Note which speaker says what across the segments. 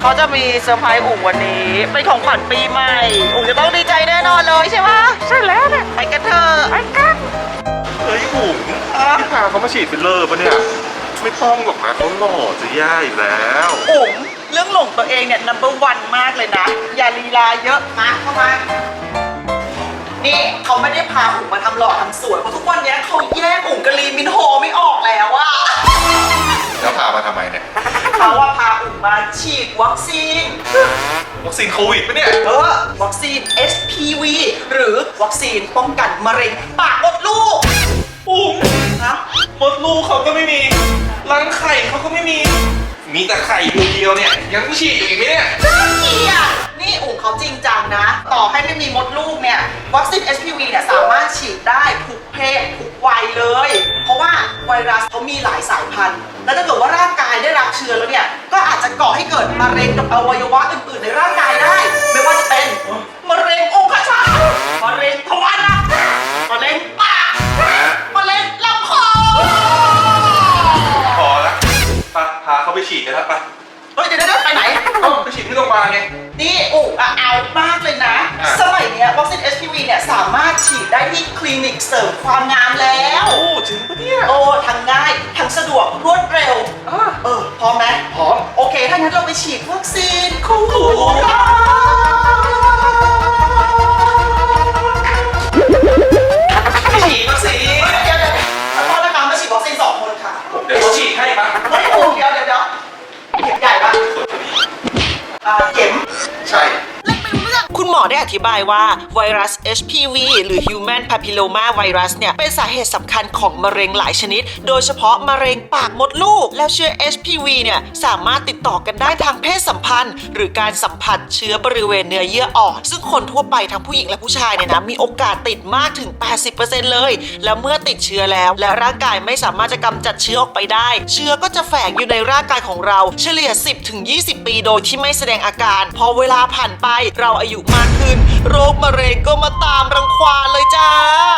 Speaker 1: เขาจะมีเซอร์ไพรส์อุ๋งวันนี้เป็นของขวัญปีใหม่อุ๋งจะต้องดีใจแน่นอนเลยใช่ไหมใช่แล้วเนี่ยไปกันเถอะไปกัน
Speaker 2: เฮ้ยอุ๋งพี่พาเขามาฉีดฟิลเลอร์ปะเนี่ยไม่ต้องหรอกนะเขาหล่อจะแย่อยู่แล้ว
Speaker 1: อุ๋งเรื่องหลงตัวเองเนี่ย number one มากเลยนะอย่าลีลาเยอะมาเข้ามานี่เขาไม่ได้พาอุ๋งมาทำหล่อทำสวยเพราะทุกวันนี้เขาแยกอุ๋งกับลีมินโฮไม่ออกแล้วอะ
Speaker 2: แล้วพามาทำไมเนี่ย
Speaker 1: เขาว่าพาอุ๋งมาฉีดวัคซีน
Speaker 2: วัคซีนโควิดปะเนี่ย
Speaker 1: วัคซีน HPV หรือวัคซีนป้องกันมะเร็งปากมดลูก
Speaker 2: อุ๋ง
Speaker 1: นะ
Speaker 2: มดลูกเขาก็ไม่มีรังไข่เขาก็ไม่มีแต่ไข่เดียวเนี่ยยังไม่ฉีดอีกไหมเนี่ย
Speaker 1: น่าเกลียดนี่อุ๋งเขาจริงจังนะ ต่อให้ไม่มีมดลูกเนี่ยวัคซีน HPV เนี่ยสามารถฉีดได้ทุกเพศทุกวัยเลย เพราะว่าไวรัสเขามีหลายสายพันธุ์ และถ้าเกิดว่าร่างกายได้รับเชื้อแล้วเนี่ยก็อาจจะก่อให้เกิดมะเร็งกับอวัยวะอื่นๆในร่างกายได้ ไม่ว่าจะเป็นมะเร็งองคชาตมะเร็งทวารหนักมะเร็งปากมะเร็งลำคอ
Speaker 2: พอละพาเขาไปฉีดกันแล้วไป
Speaker 1: เฮ้ยเดี๋ยวไปไหน
Speaker 2: ไปฉีดที่โรงพยาบาลไง
Speaker 1: นี่อุ๋งเอามากเลยนะ สมัยเนี้ยวัคซีน HPV เนี่ยสามารถฉีดได้ที่คลินิกเสริมความงามแล้ว
Speaker 2: โอ้จริงปะเนี่ย
Speaker 1: โอ้ทั้งง่ายทั้งสะดวกรวดเร็วพร้อมไหม
Speaker 2: พร้อม
Speaker 1: โอเคถ้างั้นเราไปฉีดวัคซีนโควิด
Speaker 2: ไปฉีดวัคซีน
Speaker 1: เดี๋ยวขอโทษนะคะมาฉีดวัคซีน2 คนค่ะ
Speaker 2: เดี๋ยวเขาฉีดให้ปะ
Speaker 1: ไม่โอ้เดี๋ยวเข็มใหญ่ปะเข็ม
Speaker 2: ใช่
Speaker 1: คุณหมอได้อธิบายว่าไวรัส HPV หรือ Human Papilloma Virus เนี่ยเป็นสาเหตุสำคัญของมะเร็งหลายชนิด โดยเฉพาะมะเร็งปากมดลูก แล้วเชื้อ HPV เนี่ยสามารถติดต่อกันได้ทางเพศสัมพันธ์ หรือการสัมผัสเชื้อบริเวณเนื้อเยื่ออ่อน ซึ่งคนทั่วไปทั้งผู้หญิงและผู้ชายเนี่ยนะมีโอกาสติดมากถึง 80% เลย แล้วเมื่อติดเชื้อแล้วและร่างกายไม่สามารถจะกำจัดเชื้อออกไปได้ เชื้อก็จะแฝงอยู่ในร่างกายของเราเฉลี่ย 10-20 ปีโดยที่ไม่แสดงอาการพอเวลาผ่านไปเราอายุมากขึ้นโรคมะเร็งก็มาตามรังควานเลยจ้า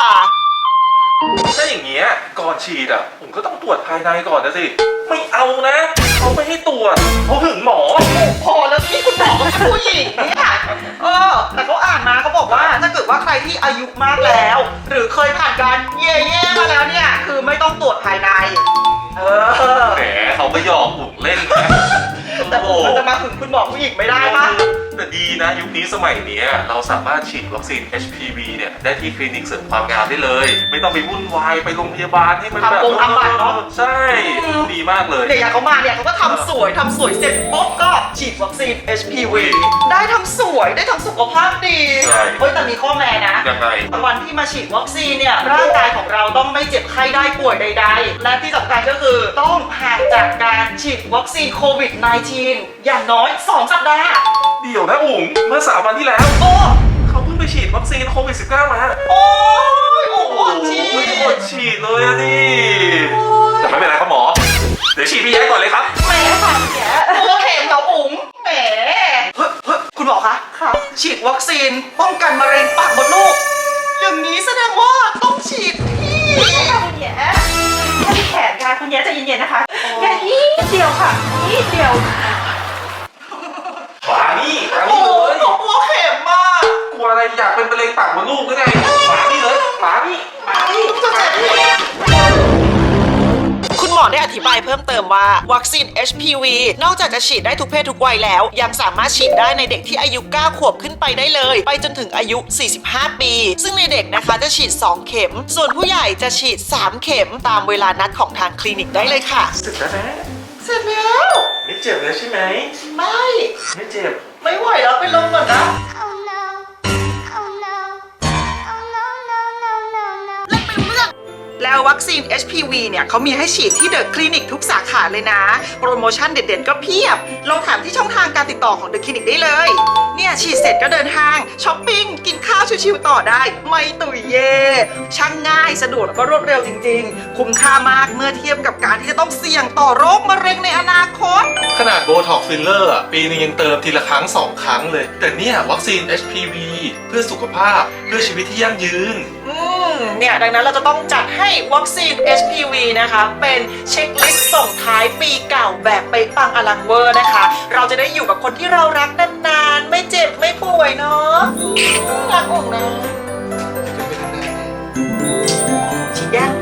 Speaker 2: ถ้าอย่างเงี้ยก่อนฉีดผมก็ต้องตรวจภายในก่อนนะสิไม่เอานะเขาไม่ให้ตรวจเขาหึงหมอ
Speaker 1: พอแล้วที่คุณหมอก็เป็นผู้หญิงเนี่ยแต่เขาอ่านมาเขาบอกว่าถ้าเกิดว่าใครที่อายุมากแล้ว หรือเคยผ่านการเย่ๆมาแล้วเนี่ยคือไม่ต้องตรวจภายใน
Speaker 2: แหมเขาก็หยอกผมเล่นนะ
Speaker 1: แต่มันจะมาถึงคุณหมอผู้หญิงไม่ได้ปะ
Speaker 2: แต่ดีนะยุคนี้สมัยนี้เราสามารถฉีดวัคซีน HPV เนี่ยได้ที่คลินิกเสริมความงามได้เลย ไม่ต้องไปวุ่นวายไปโรงพยาบาลให้มันแบบ
Speaker 1: ทำบัตรเนาะ
Speaker 2: ใช่ดีมากเลย
Speaker 1: เนี่ยอย่างเขามาเนี่ยเขาก็ทำสวยเสร็จปุ๊บก็ฉีดวัคซีน HPV ได้ทั้งสวยได้ทั้งสุขภาพดีเฮ้ยแต่มีข้อแม้นะ
Speaker 2: ยังไง
Speaker 1: วันที่มาฉีดวัคซีนเนี่ยร่างกายของเราต้องไม่เจ็บไข้ได้ป่วยใดๆและที่สำคัญก็คือต้องห่างจากการฉีดวัคซีนโควิด -19 อย่างน้อย2 สัปดาห์
Speaker 2: เดี๋ยวนะอุ๋งเมื่อ3 วันที่แล้วเขาเพิ่งไปฉีดวัคซีนโควิด -19 มา
Speaker 1: โอ้ยอด
Speaker 2: ฉีดเลยอะดิแต่ไม่เป็นไรครับหมอเดี๋ยวฉีดพี่แย้ก่อนเลยครับ
Speaker 1: แหมค่ะแกตัวเข็มเหรออุ๋งแหมคุณหมอคะฉีดวัคซีนป้องกันมะเร็งปากมดลูกอย่างนี้แสดงว่าต้องฉีดที่
Speaker 3: คุณแย่ที่แขนค่ะคุณแย่ใจเย็นๆนะคะแค่นิดเดียวค่ะนิดเดียว
Speaker 2: มานี่เลย
Speaker 1: กลัวเข็มมาก
Speaker 2: กลัวอะไรอยากเป็นมะเร็งปากมดลูกหรือไงมานี่เลยมานี่
Speaker 1: จะเจ็บคุณหมอได้อธิบายเพิ่มเติมว่าวัคซีน HPV นอกจากจะฉีดได้ทุกเพศทุกวัยแล้วยังสามารถฉีดได้ในเด็กที่อายุ9 ขวบขึ้นไปได้เลยไปจนถึงอายุ 45 ปีซึ่งในเด็กนะคะจะฉีด2 เข็มส่วนผู้ใหญ่จะฉีด3 เข็มตามเวลานัดของทางคลินิกได้เลยค่ะ
Speaker 2: เสร็จแล้วนะ
Speaker 1: เสร็จแล้ว
Speaker 2: ไม่เจ็บแล้วใช่ไหมไม่เจ็บ
Speaker 1: ไม่ไหวแล้วไปลงก่อนนะแล้ววัคซีน HPV เนี่ยเขามีให้ฉีดที่เดอะคลินิกทุกสาขาเลยนะโปรโมชั่นเด็ดๆก็เพียบลองถามที่ช่องทางการติดต่อของเดอะคลินิกได้เลยเนี่ยฉีดเสร็จก็เดินทางช้อปปิ้งกินข้าวชิวๆต่อได้ไม่ตุยเย่ช่างง่ายสะดวกแล้วก็รวดเร็วจริงๆคุ้มค่ามากเมื่อเทียบกับการที่จะต้องเสี่ยงต่อโรคมะเร็งในอนาคต
Speaker 2: ขนาดโบท็อกฟิลเลอร์ปีนึงยังเติมทีละครั้ง2 ครั้งเลยแต่เนี่ยวัคซีน HPV เพื่อสุขภาพเพื่อชีวิตที่ยั่งยืน
Speaker 1: เนี่ยดังนั้นเราจะต้องจัดให้วัคซีน HPV นะคะเป็นเช็คลิสต์ส่งท้ายปีเก่าแบบไปปังอลังเวอร์นะคะเราจะได้อยู่กับคนที่เรารักนานๆไม่เจ็บไม่ป่วยเนาะรักอกนะฉีดยัง